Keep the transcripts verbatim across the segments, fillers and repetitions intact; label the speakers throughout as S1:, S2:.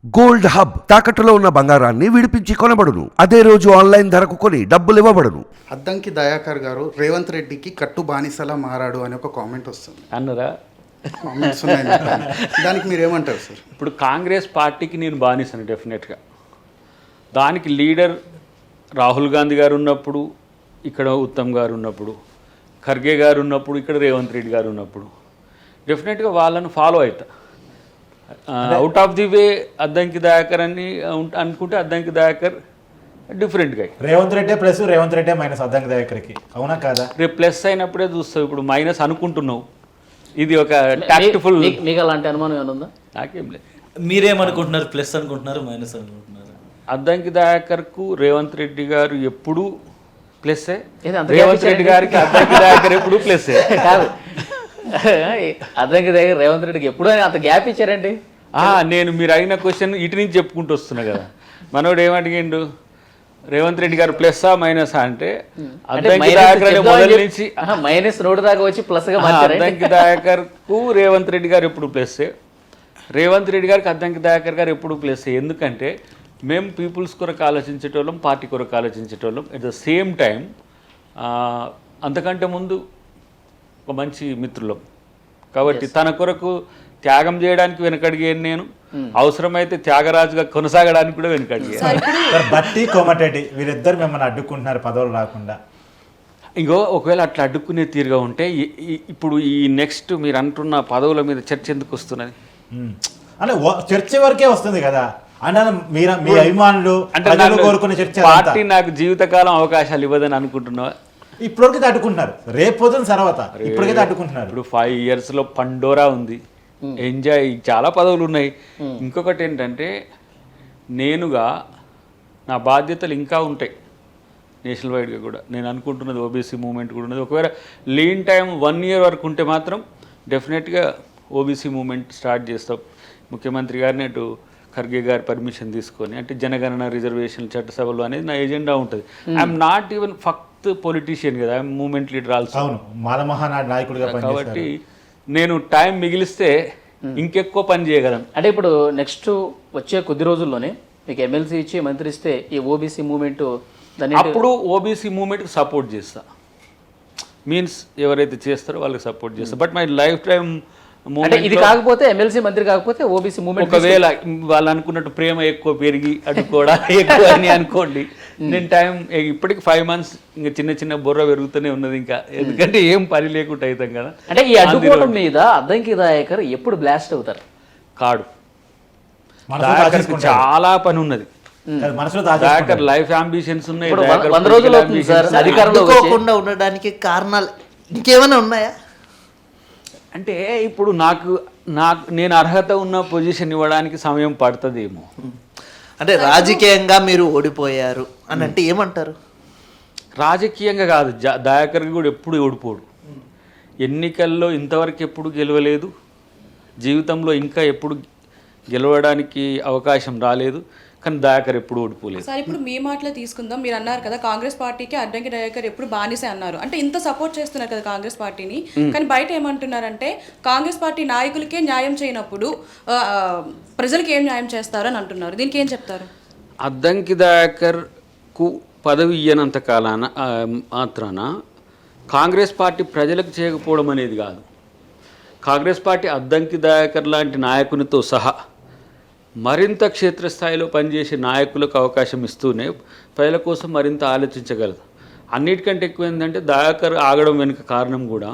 S1: Gold hub తాకట్టులో ఉన్న బంగారాన్ని విడిపించి కొనబడును. అదే రోజు ఆన్లైన్ ధరకు కొని డబ్బులు ఇవ్వబడును.
S2: అద్దంకి దయాకర్ గారు రేవంత్ రెడ్డికి కట్టు బానిసలా మారాడు అని ఒక కామెంట్ వస్తుంది.
S3: అన్నరా
S2: కామెంట్స్ ఉన్నాయి దానికి మీరు ఏమంటారు సార్?
S3: ఇప్పుడు కాంగ్రెస్ పార్టీకి నేను బానిసను డెఫినెట్గా. దానికి లీడర్ రాహుల్ గాంధీ గారు ఉన్నప్పుడు, ఇక్కడ ఉత్తమ్ గారు ఉన్నప్పుడు, ఖర్గే గారు ఉన్నప్పుడు, ఇక్కడ రేవంత్ రెడ్డి గారు ఉన్నప్పుడు డెఫినెట్గా వాళ్ళను ఫాలో అవుతా. Out of the way Addanki Dayakar అని అనుకుంటే అద్దంకి దయాకర్ డిఫరెంట్గా
S4: రేవంత్ రెడ్డి ప్లస్ రేవంత్ రెడ్డి మైనస్ అద్దంకి దయాకర్కి, అవునా కాదా?
S3: రేపు ప్లస్ అయినప్పుడే చూస్తావు, ఇప్పుడు మైనస్ అనుకుంటున్నావు. ఇది ఒక టాక్ట్ఫుల్.
S5: మీకు అలాంటి అనుమానం ఏమైనా ఉందా?
S3: నాకేం లేదు.
S6: మీరేమనుకుంటున్నారు? ప్లస్ అనుకుంటున్నారు, మైనస్ అనుకుంటున్నారు?
S3: అద్దంకి దయాకర్కు రేవంత్ రెడ్డి గారు ఎప్పుడు ప్లస్సే,
S5: ఏది అంత
S3: రేవంత్
S5: గ్యాప్
S3: రెడ్డి గారికి అద్దంకి దయాకర్ ఎప్పుడు ప్లస్సే.
S5: కాదు, అద్దంకి దగ్గర రేవంత్ రెడ్డికి ఎప్పుడు అంత గ్యాప్ ఇచ్చారండి?
S3: నేను మీరు అడిగిన క్వశ్చన్ ఇటు నుంచి చెప్పుకుంటూ వస్తున్నా కదా. మనోడు ఏమడిగిండు, రేవంత్ రెడ్డి గారు ప్లస్సా మైనసా అంటే అద్దంకి దయాకర్ మొదటి నుంచి
S5: మైనస్ నోటు దాకా వచ్చి ప్లస్ గా
S3: అద్దంకి దయాకర్ కు రేవంత్ రెడ్డి గారు ఎప్పుడు ప్లస్సే, రేవంత్ రెడ్డి గారికి అద్దంకి దయాకర్ గారు ఎప్పుడు ప్లస్సే. ఎందుకంటే మేము పీపుల్స్ కొరకు ఆలోచించేటోళ్ళం, పార్టీ కొరకు ఆలోచించేటోళ్ళం. ఎట్ ద సేమ్ టైం అంతకంటే ముందు ఒక మంచి మిత్రులం కాబట్టి తన కొరకు త్యాగం చేయడానికి వెనకడిగాను నేను. అవసరమైతే త్యాగరాజుగా కొనసాగడానికి కూడా వెనకడిగాను.
S4: బట్టి కోమటిరెడ్డి వీరిద్దరు మిమ్మల్ని అడ్డుకుంటున్నారు పదవులు రాకుండా.
S3: ఇంకో ఒకవేళ అట్లా అడ్డుకునే తీరుగా ఉంటే ఇప్పుడు ఈ నెక్స్ట్ మీరు అంటున్న పదవుల మీద చర్చ ఎందుకు వస్తున్నది?
S4: అంటే చర్చ వరకే వస్తుంది కదా అన్న, మీరు మీ అభిమానులు అంటే కోరుకునే చర్చ.
S3: పార్టీ నాకు జీవితకాలం అవకాశాలు ఇవ్వదని అనుకుంటున్నావా?
S4: ఇప్పటికైతే అడ్డుకుంటున్నారు, రేపు పొద్దున తర్వాత ఇప్పటికైతే అడ్డుకుంటున్నారు.
S3: ఇప్పుడు ఫైవ్ ఇయర్స్లో పండోరా ఉంది, ఎంజాయ్, చాలా పదవులు ఉన్నాయి. ఇంకొకటి ఏంటంటే నేనుగా నా బాధ్యతలు ఇంకా ఉంటాయి నేషనల్ వైడ్గా కూడా. నేను అనుకుంటున్నది ఓబీసీ మూవ్మెంట్ కూడా ఉన్నది. ఒకవేళ లీన్ టైం వన్ ఇయర్ వరకు ఉంటే మాత్రం డెఫినెట్గా ఓబీసీ మూవ్మెంట్ స్టార్ట్ చేస్తాం. ముఖ్యమంత్రి గారిని అటు ఖర్గే గారి పర్మిషన్ తీసుకొని, అంటే జనగణన రిజర్వేషన్ చట్టసభలు అనేది నా ఎజెండా ఉంటుంది. ఐఎమ్ నాట్ ఈవెన్ ఫక్త్ పొలిటీషియన్ కదా, ఐఎమ్ మూవ్మెంట్ లీడర్ ఆల్సో.
S4: అవును, మాలమహానాడు నాయకుడిగా
S3: కాబట్టి నేను టైం మిగిలిస్తే ఇంకెక్కువ పని చేయగలను.
S5: అంటే ఇప్పుడు నెక్స్ట్ వచ్చే కొద్ది రోజుల్లోనే మీకు ఎమ్మెల్సీ ఇచ్చి మంత్రి ఇస్తే ఈ ఓబీసీ మూవ్మెంట్ దాన్ని
S3: అప్పుడు ఓబీసీ మూవ్మెంట్కి సపోర్ట్ చేస్తా. మీన్స్ ఎవరైతే చేస్తారో వాళ్ళకి సపోర్ట్ చేస్తా. బట్ మై లైఫ్ టైం
S5: అంటే ఇది కాకపోతే ఎమ్మెల్సీ మంత్రి కాకపోతే ఓబీసీ మూవ్మెంట్
S3: ఒకవేళ వాళ్ళు అనుకున్నట్టు ప్రేమ ఎక్కువ పెరిగి అటు కూడా ఎక్కువ అని అనుకోండి, నేను టైం ఇప్పటికి ఫైవ్ మంత్స్ ఇంకా చిన్న చిన్న బుర్ర పెరుగుతూనే ఉన్నది ఇంకా. ఎందుకంటే ఏం పని లేకుండా అవుతాం కదా.
S5: అంటే ఈ అడ్డుకోవడం మీద అద్దంకి దయాకర్ ఎప్పుడు బ్లాస్ట్ అవుతారు?
S3: కాడు చాలా పని ఉన్నది. దయాకర్ లైఫ్ అంబిషన్స్ ఉన్నాయి.
S5: వంద రోజులు అవుతుంది సార్ అధికారంలో
S6: ఉండడానికి కారణాలు ఇంకేమైనా ఉన్నాయా?
S3: అంటే ఇప్పుడు నాకు నాకు నేను అర్హత ఉన్న పొజిషన్ ఇవ్వడానికి సమయం పడుతుందేమో.
S6: అంటే రాజకీయంగా మీరు ఓడిపోయారు అని అంటే ఏమంటారు?
S3: రాజకీయంగా కాదు, దయాకర్ కూడా ఎప్పుడు ఓడిపోడు. ఎన్నికల్లో ఇంతవరకు ఎప్పుడు గెలవలేదు, జీవితంలో ఇంకా ఎప్పుడు గెలవడానికి అవకాశం రాలేదు, కానీ దయాకర్ ఎప్పుడు ఓడిపోలేదు.
S7: సార్ ఇప్పుడు మీ మాటలో తీసుకుందాం, మీరు అన్నారు కదా కాంగ్రెస్ పార్టీకి అద్దంకి దయాకర్ ఎప్పుడు బానిసే అన్నారు. అంటే ఇంత సపోర్ట్ చేస్తున్నారు కదా కాంగ్రెస్ పార్టీని, కానీ బయట ఏమంటున్నారంటే కాంగ్రెస్ పార్టీ నాయకులకే న్యాయం చేయనప్పుడు ప్రజలకు ఏం న్యాయం చేస్తారు అని అంటున్నారు. దీనికి ఏం చెప్తారు?
S3: అద్దంకి దయాకర్కు పదవి ఇయ్యనంత కాలాన మాత్రాన కాంగ్రెస్ పార్టీ ప్రజలకు చేయకపోవడం అనేది కాదు. కాంగ్రెస్ పార్టీ అద్దంకి దయాకర్ లాంటి నాయకునితో సహా మరింత క్షేత్రస్థాయిలో పనిచేసే నాయకులకు అవకాశం ఇస్తూనే ప్రజల కోసం మరింత ఆలోచించగలదు. అన్నిటికంటే ఎక్కువ ఏంటంటే దయాకర్ ఆగడం వెనుక కారణం కూడా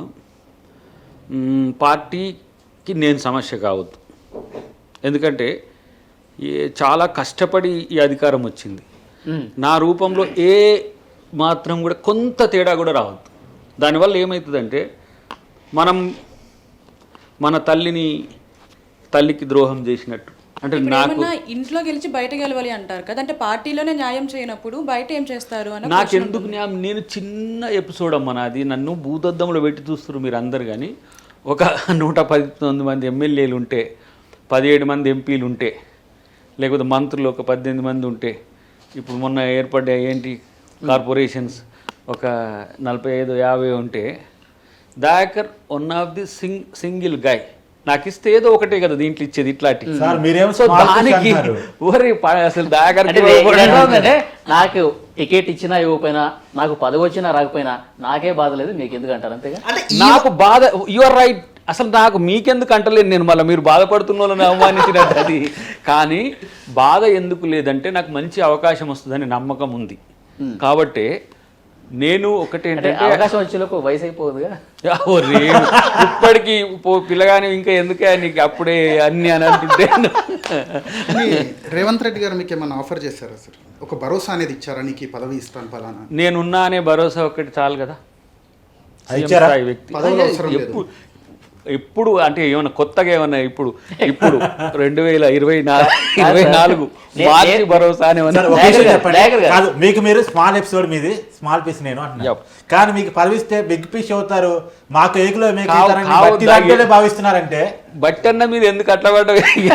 S3: పార్టీకి నేను సమస్య కావద్దు. ఎందుకంటే చాలా కష్టపడి ఈ అధికారం వచ్చింది. నా రూపంలో ఏ మాత్రం కూడా కొంత తేడా కూడా రావద్దు. దానివల్ల ఏమవుతుందంటే మనం మన తల్లిని తల్లికి ద్రోహం చేసినట్టు. అంటే నాకు
S7: ఇంట్లో గెలిచి బయట గెలవాలి అంటారు కదా, అంటే పార్టీలోనే న్యాయం చేయనప్పుడు బయట ఏం చేస్తారు అని
S3: నాకెందుకు న్యాయం? నేను చిన్న ఎపిసోడ్ అమ్మ నాది. నన్ను భూతద్దంలో పెట్టి చూస్తారు మీరు అందరు. కానీ ఒక నూట పద్దెనిమిది మంది ఎమ్మెల్యేలు ఉంటే, పదిహేడు మంది ఎంపీలు ఉంటే, లేకపోతే మంత్రులు ఒక పద్దెనిమిది మంది ఉంటే, ఇప్పుడు మొన్న ఏర్పడ్డ ఏంటి కార్పొరేషన్స్ ఒక నలభై ఐదు యాభై ఉంటే, Dayakar one of the sing single guy నాకు ఇస్తే ఏదో ఒకటే కదా దీంట్లో ఇచ్చేది ఇట్లాంటి
S4: సార్ మీరేమో
S3: సో
S4: small fish
S3: దానికి
S4: అంటున్నారు.
S3: ఊరి ప- అసలు
S5: అంటే
S3: దాగరికి
S5: వే- ఎట్లా ఉందంటే నాకు టికెట్ ఇచ్చినా ఇవ్వకపోయినా నాకు పదవి వచ్చినా రాకపోయినా నాకే బాధ లేదు, మీకు ఎందుకు అంటారు అంతేగా.
S6: అంటే
S3: నాకు బాధ యు ఆర్ రైట్. అసలు నాకు మీకెందుకు అంటలేను నేను, మళ్ళీ మీరు బాధపడుతున్న వాళ్ళని అవమానించినట్టు అది. కానీ బాధ ఎందుకు లేదంటే నాకు మంచి అవకాశం వస్తుందని నమ్మకం ఉంది. కాబట్టి నేను ఒకటి
S5: అంటే
S3: ఏంటంటే
S5: అవకాశం వచ్చేలోపు వయసు అయిపోదుగా.
S3: ఓ రేణు, ఇప్పటికీ పో పిల్లగాని ఇంకా ఎందుకే నీకు అప్పుడే అన్ని అని అంటుంటే
S2: కానీ రేవంత్ రెడ్డి గారు మీకు ఏమైనా ఆఫర్ చేశారా సార్? ఒక భరోసా అనేది ఇచ్చారా, నీకు ఈ పదవి ఇస్తాను ఫలానా?
S3: నేనున్నా అనే భరోసా ఒకటి చాలు కదా.
S4: అది ఇచ్చారా?
S3: స్థాయి వ్యక్తి
S2: పదవులు అవసరం లేదు.
S3: ఎప్పుడు ఎప్పుడు అంటే ఏమన్నా కొత్తగా ఏమన్నా ఇప్పుడు ఇప్పుడు రెండు వేల ఇరవై నాలుగు ఇరవై నాలుగు మార్చి భరోసా అని ఏమన్నా
S4: సార్, ఒక
S5: డైరెక్ట్
S4: విషయం
S5: గా-
S4: చెప్పండి.
S5: డైరెక్ట్ గా.
S4: కాదు, మీకు మీరు స్మాల్ ఎపిసోడ్ మీది, స్మాల్ పీస్ నేను అంటున్నా.
S3: Yep.
S4: కానీ మీకు పదవిస్తే బిగ్ పీస్ అవుతారు, మాకు ఏకులో మీకు
S3: కావు-
S4: ఇతరులని
S3: కావు
S4: బట్టి
S3: దాగి-
S4: లాంటి భావిస్తున్నారంటే
S3: బట్టన్న మీద ఎందుకు అట్లా పడ్డ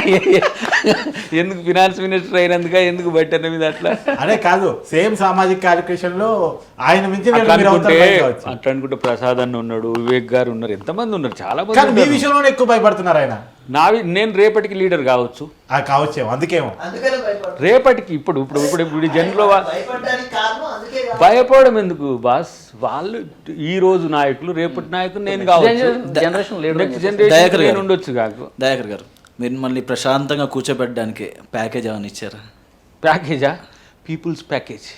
S3: ఎందుకు ఫినాన్స్ మినిస్టర్ అయినందుక ఎందుకు బట్టన్న మీద అట్లా
S4: అదే కాదు, సేమ్ సామాజిక కార్యక్రమం లో ఆయన మించి
S3: అట్లా
S4: మీరు
S3: అనుకుంటే
S4: అవుతారు బయట కావచ్చు.
S3: అట్లా అనుకుంటే ప్రసాద్ అన్న ఉన్నాడు, వివేక్ గారు ఉన్నారు, ఎంతమంది ఉన్నారు, చాలా మంది
S4: కానీ మీ
S3: ఉన్నారు.
S4: విషయంలోనే ఎక్కువ భయపడుతున్నారు ఆయన.
S3: నావి నేను రేపటికి లీడర్ కావచ్చు,
S4: ఆ కావచ్చేమో, అందుకేమో
S6: అందుకనే భయపడ్డారు.
S3: రేపటికి ఇప్పుడు ఇప్పుడు ఇప్పుడు ఇప్పుడు జన్లో వా-
S6: భయపడడానికి కారణం అందుకే కాదు.
S3: భయపడడం ఎందుకు బాస్? వాళ్ళు ఈ రోజు నాయకులు, రేపటి నాయకులు నేను కావచ్చు,
S5: జనరేషన్ లేడు
S3: నెక్స్ట్
S8: దయాకర్
S3: జనరేషన్
S8: గారు.
S3: నేను ఉండొచ్చు కాకు.
S8: దయాకర్ గారు, మీరు మళ్ళీ ప్రశాంతంగా కూర్చోబెట్టడానికి ప్యాకేజ్ ఏమైనా ఇచ్చారా?
S3: ప్యాకేజా? People's package.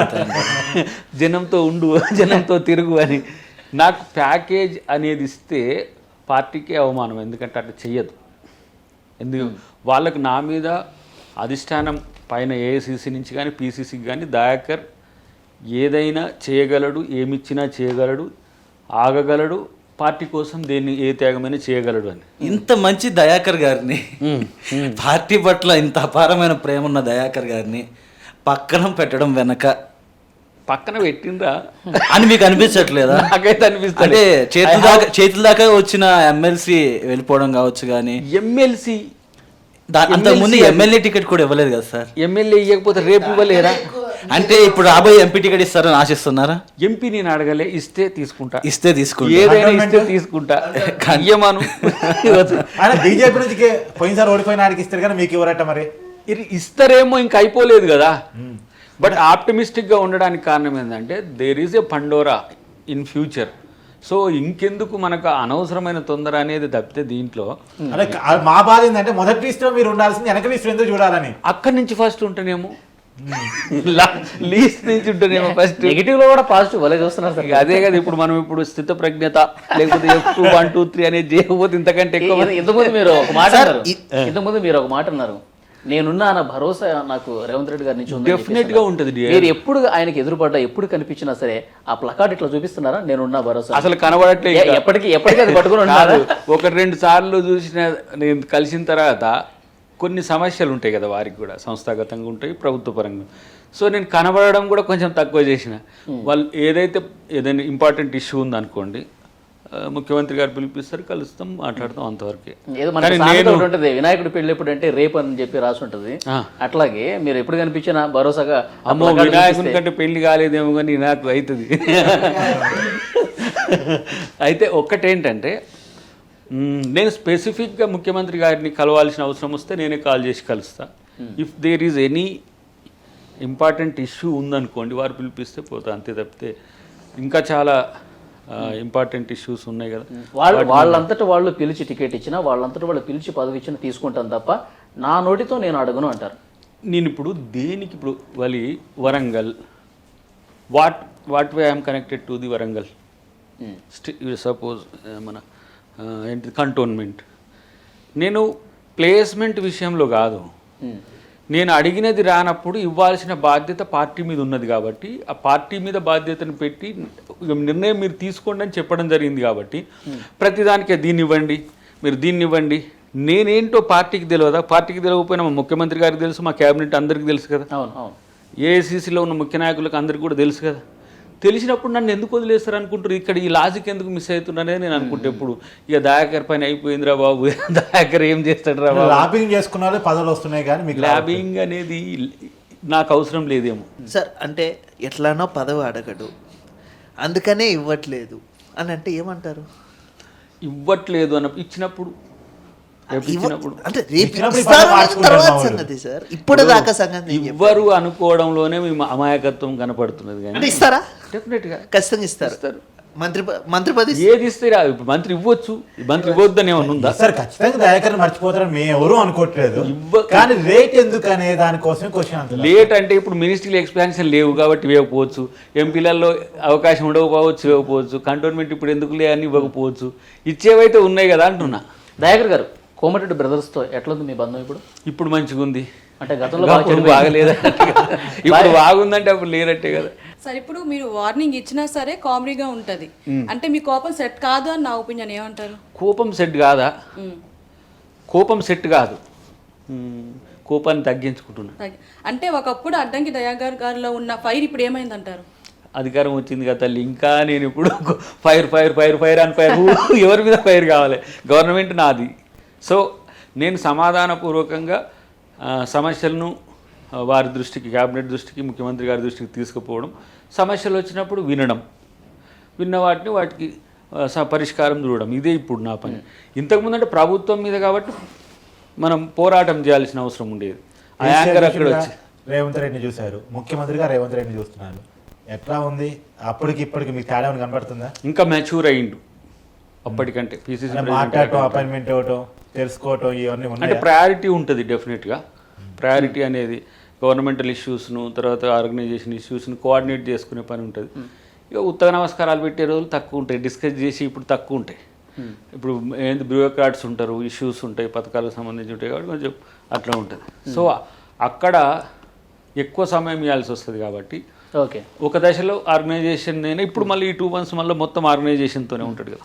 S3: జనంతో ఉండు, జనంతో తిరుగు అని. నాకు ప్యాకేజ్ అనేది ఇస్తే పార్టీకి అవమానం, ఎందుకంటే అట్లా చెయ్యదు. ఎందుకు వాళ్ళకు నా మీద అధిష్టానం పైన ఏఐసిసి నుంచి కానీ పీసీసీకి కానీ దయాకర్ ఏదైనా చేయగలడు, ఏమిచ్చినా చేయగలడు, ఆగగలడు, పార్టీ కోసం దేన్ని ఏ త్యాగమైనా చేయగలడు అని.
S8: ఇంత మంచి దయాకర్ గారిని, పార్టీ పట్ల ఇంత అపారమైన ప్రేమ ఉన్న దయాకర్ గారిని పక్కన పెట్టడం వెనక
S3: పక్కన పెట్టిండ్రా
S8: అని మీకు అనిపించట్లేదా?
S3: నాకైతే అనిపిస్తుంది.
S8: అంటే చేతుల దాకా చేతుల దాకా వచ్చిన ఎమ్మెల్సీ వెళ్ళిపోవడం కావచ్చు, కానీ
S3: ఎమ్మెల్సీ
S8: అంతకుముందు ఎమ్మెల్యే టికెట్ కూడా ఇవ్వలేదు కదా సార్.
S3: ఎమ్మెల్యే ఇవ్వకపోతే రేపు ఇవ్వలేరా?
S8: అంటే ఇప్పుడు రాబోయే ఎంపీ టికెట్ ఇస్తారని ఆశిస్తున్నారా?
S3: ఎంపీ నేను అడగలే, ఇస్తే తీసుకుంటా,
S8: ఇస్తే తీసుకుంటా.
S3: ఏదైనా ఇస్తే తీసుకుంటా, కయ్యమాను.
S4: ఆయన బీజేపీ నుంచి పోయినసారి ఓడిపోయిన ఆయనకి ఇస్తారు కానీ మీకు ఇవ్వరట మరి.
S3: ఇది ఇస్తారేమో ఇంకా అయిపోలేదు కదా. బట్ ఆప్టమిస్టిక్గా ఉండడానికి కారణం ఏంటంటే there is a Pandora in future. So ఇంకెందుకు మనకు అనవసరమైన తొందర అనేది తప్పితే దీంట్లో
S4: అదే కా- మా బాధ ఏంటంటే మొదటి లిస్ట్ లో మీరు ఉండాల్సింది, వెనక లిస్ట్ ఎందుకు చూడాలని.
S3: అక్కడి నుంచి ఫస్ట్ ఉంటేనేమో, లీస్ట్ నుంచి ఉంటేనేమో ఫస్ట్.
S5: నెగిటివ్ లో కూడా పాజిటివ్ వలే చూస్తున్నారు సార్.
S3: ఇక అదే కదా ఇప్పుడు మనం ఇప్పుడు స్థిత ప్రజ్ఞత లేకపోతే F two one two three అనేది చేయకపోతే ఇంతకంటే ఎక్కువ.
S5: ఇంత- ఇంతకుముందు మీరు ఒక మాట అన్నారు, ఇంతకుముందు మీరు ఒక మాట అన్నారు, నేనున్నా అన్న భరోసా నాకు రేవంత్ రెడ్డి గారి నుంచి ఉందని
S3: Definite
S5: చెప్పేసి
S3: గా
S5: అన్నారు.
S3: ఉంటుంది dear.
S5: మీరు ఎప్పుడు ఆయనకి ఎదురుపడ్డా, ఎప్పుడు కనిపించినా సరే ఆ ప్లకార్డ్ ఇట్లా చూపిస్తున్నారా, నేనున్నా భరోసా?
S3: అసలు కనబడట్లే
S5: ఎ-
S3: ఇంకా.
S5: ఎప్పటికీ ఎప్పటికీ అది పట్టుకుని ఉంటారా?
S3: కాదు, ఒకటి రెండు సార్లు చూసిన నేను కలిసిన తర్వాత కొన్ని సమస్యలు ఉంటాయి కదా వారికి కూడా, సంస్థాగతంగా ఉంటాయి, ప్రభుత్వ పరంగా. సో నేను కనబడడం కూడా కొంచెం తక్కువ చేసిన. వాళ్ళు ఏదైతే ఏదైనా ఇంపార్టెంట్ ఇష్యూ ఉందనుకోండి, ఆ, ముఖ్యమంత్రి గారు పిలిపిస్తారు, కలుస్తాం, మాట్లాడతాం, అంతవరకు.
S5: ఏదో మనకి సామెత ఒకటి ఉంటుంది, వినాయకుడి పెళ్లి ఎప్పుడు అంటే రేపు అని చెప్పి రాసి ఉంటుంది.
S3: ఆ.
S5: అట్లాగే మీరు ఎప్పుడు కనిపించినా భరోసాగా ఆ
S3: అమ్మో
S5: ప్లకార్డ్
S3: వినాయకుని
S5: చూపిస్తే-
S3: కంటే పెళ్లి కాలేదేమో కానీ నాకు అవుతుంది. అయితే ఒక్కటేంటంటే మ్, నేను స్పెసిఫిక్గా ముఖ్యమంత్రి గారిని కలవాల్సిన అవసరం వస్తే నేనే కాల్ చేసి కలుస్తా. If there is any important issue ఉందనుకోండి, వారు పిలిపిస్తే పోతా, అంతే తప్పితే ఇంకా చాలా ఇంపార్టెంట్ ఇష్యూస్ ఉన్నాయి కదా.
S5: వాళ్ళు వాళ్ళంతట వాళ్ళు పిలిచి టికెట్ ఇచ్చినా, వాళ్ళంతట వాళ్ళు పిలిచి పదవి ఇచ్చినా తీసుకుంటాను తప్ప నా నోటితో నేను అడగను అంటారు.
S3: నేను ఇప్పుడు దేనికి ఇప్పుడు వలి Warangal, what what way I'm connected to the Warangal, suppose మన ఆ, ఏంటి కంటోన్మెంట్. నేను ప్లేస్మెంట్ విషయంలో కాదు, నేను అడిగినది రానప్పుడు ఇవ్వాల్సిన బాధ్యత పార్టీ మీద ఉన్నది కాబట్టి ఆ పార్టీ మీద బాధ్యతను పెట్టి నిర్ణయం మీరు తీసుకోండి అని చెప్పడం జరిగింది కాబట్టి ప్రతిదానికే దీన్ని ఇవ్వండి, మీరు దీన్ని ఇవ్వండి. నేనేంటో పార్టీకి తెలియదా? పార్టీకి తెలియకపోయినా మా ముఖ్యమంత్రి గారికి తెలుసు, మా క్యాబినెట్ అందరికీ తెలుసు కదా,
S5: అవును అవును
S3: ఏఐసీసీలో ఉన్న ముఖ్య నాయకులకు అందరికీ కూడా తెలుసు కదా. తెలిసినప్పుడు నన్ను ఎందుకు వదిలేస్తారు అనుకుంటారు? ఇక్కడ ఈ లాజిక్ ఎందుకు మిస్ అవుతున్నానే నేను అనుకుంటే ఎప్పుడు ఇక దయాకర్ పైన అయిపోయిందిరా బాబు, దయాకర్ ఏం చేస్తాడు రా బాబు.
S4: లాబింగ్ చేసుకున్న వాళ్ళే పదవులు వస్తున్నాయి కానీ మీకు
S3: ల్యాబింగ్ అనేది నాకు అవసరం లేదేమో.
S6: సార్ అంటే ఎట్లానో పదవి అడగడు, అందుకనే ఇవ్వట్లేదు అని అంటే ఏమంటారు?
S3: ఇవ్వట్లేదు అన్న ఇచ్చినప్పుడు రేపు ఇచ్చినప్పుడు
S6: అంటే రేపు
S4: ఇచ్చినప్పుడు
S6: ఇస్తారు
S4: ఇప్పుడు మార్చుకుంటారు
S6: తర్వాత
S4: మా వాళ్ళు.
S6: సంగతి సార్ ఇప్పుడు దాకా సంగతి నేను చెప్పాను.
S3: ఇవ్వరు అనుకోవడంలోనే మేము అమాయకత్వం కనపడుతున్నది కానీ
S6: అంటే ఇస్తారా
S3: డెఫినెట్గా
S6: ఖచ్చితంగా ఇస్తారు
S3: ఇస్తారు.
S6: మంత్రి ప- మంత్రి పది
S3: ఏది ఇస్తే రా- ఇప్పుడు మంత్రి ఇవ్వచ్చు మంత్రి ఇవ్వద్దని ఏమన్నా ఉందా
S4: సార్ ఖచ్చితంగా దయాకర్ మర్చిపోతారని మేము ఎవరు అనుకోవట్లేదు
S3: ఇవ్వ-
S4: కానీ రేట్ ఎందుకు అనే దానికోసం క్వశ్చన్ అంత
S3: లేట్ అంటే ఇప్పుడు మినిస్ట్రీలో ఎక్స్పాన్షన్ లేవు కాబట్టి ఇవ్వకపోవచ్చు ఎంపీలలో అవకాశం ఉండకపోవచ్చు ఇవ్వకపోవచ్చు కంటోన్మెంట్ ఇప్పుడు ఎందుకు లే అని ఇవ్వకపోవచ్చు ఇచ్చేవైతే ఉన్నాయి కదా అంటున్నా.
S5: దయాకర్ గారు కోమటిరెడ్డి బ్రదర్స్తో ఎట్లుంది మీ బంధం ఇప్పుడు?
S3: ఇప్పుడు మంచిగా ఉంది
S5: అంటే గతంలో బాగా
S3: అప్పుడు
S5: చెడిపోయింది.
S3: బాగలేదంటే కదా. ఇప్పుడు బాగుందంటే అప్పుడు లేనట్టే కదా.
S7: సరే ఇప్పుడు మీరు వార్నింగ్ ఇచ్చినా సరే కామెడీగా ఉంటది అంటే మీ కోపం సెట్ కాదు అని నా ఒపీనియన్. ఏమంటారు?
S3: కోపం సెట్ కాదా?
S7: మ్మ్.
S3: కోపం సెట్ కాదు, మ్మ్. కోపాన్ని తగ్గించుకుంటున్నా.
S7: తగ్గి- అంటే ఒకప్పుడు అడ్డంకి దయాకర్ గారిలో ఉన్న ఫైర్ ఇప్పుడు ఏమైంది అంటారు?
S3: అధికారం వచ్చింది కదా తల్లి, ఇంకా నేను ఇప్పుడు ఫైర్ ఫైర్ ఫైర్ ఫైర్ అని ఫైర్ ఎవరి మీద ఫైర్ కావాలి? గవర్నమెంట్ నాది. సో నేను సమాధానపూర్వకంగా ఆ, సమస్యలను ఆ, వారి దృష్టికి, క్యాబినెట్ దృష్టికి, ముఖ్యమంత్రి గారి దృష్టికి తీసుకుపోవడం, సమస్యలు వచ్చినప్పుడు వినడం, విన్న వాటిని వాటికి ఆ, స- పరిష్కారం చూడడం, ఇదే ఇప్పుడు నా పని. ఇంతకుముందు అంటే ప్రభుత్వం మీద కాబట్టి మనం పోరాటం చేయాల్సిన అవసరం ఉండేది. ఆ యాంకర్ అక్కడ వచ్చి
S4: రేవంత్ రెడ్డిని చూశారు, ముఖ్యమంత్రిగా రేవంత్ రెడ్డిని చూస్తున్నారు. ఎట్లా ఉంది అప్పటికి ఇప్పటికి మీకు తేడా ఏమైనా కనబడుతుందా?
S3: ఇంకా మెచ్యూర్ అయ్యిండు అప్పటికంటే. పీసీసీ
S4: అంటే మాట్లాడటం, అపాయింట్మెంట్ ఇవ్వటం, తెలుసుకోవటం ఇవన్నీ
S3: అంటే
S4: ఉన్నాయి.
S3: ప్రయారిటీ ఉంటుంది డెఫినెట్గా. ప్రయారిటీ అనేది గవర్నమెంటల్ ఇష్యూస్ను, తర్వాత ఆర్గనైజేషన్ ఇష్యూస్ను కోఆర్డినేట్ చేసుకునే పని ఉంటుంది. ఇక ఉత్తర నమస్కారాలు పెట్టే రోజులు తక్కువ ఉంటాయి, డిస్కస్ చేసి ఇప్పుడు తక్కువ ఉంటాయి. ఇప్పుడు ఏంటి బ్యూరోక్రాట్స్ ఉంటారు, ఇష్యూస్ ఉంటాయి, పథకాలకు సంబంధించి ఉంటాయి కాబట్టి కొంచెం అట్లా ఉంటుంది. సో అక్కడ ఎక్కువ సమయం ఇవ్వాల్సి వస్తుంది కాబట్టి
S5: ఓకే
S3: ఒక దశలో ఆర్గనైజేషన్ అయినా ఇప్పుడు మళ్ళీ ఈ టూ మంత్స్ మళ్ళీ మొత్తం ఆర్గనైజేషన్తోనే ఉంటాడు కదా.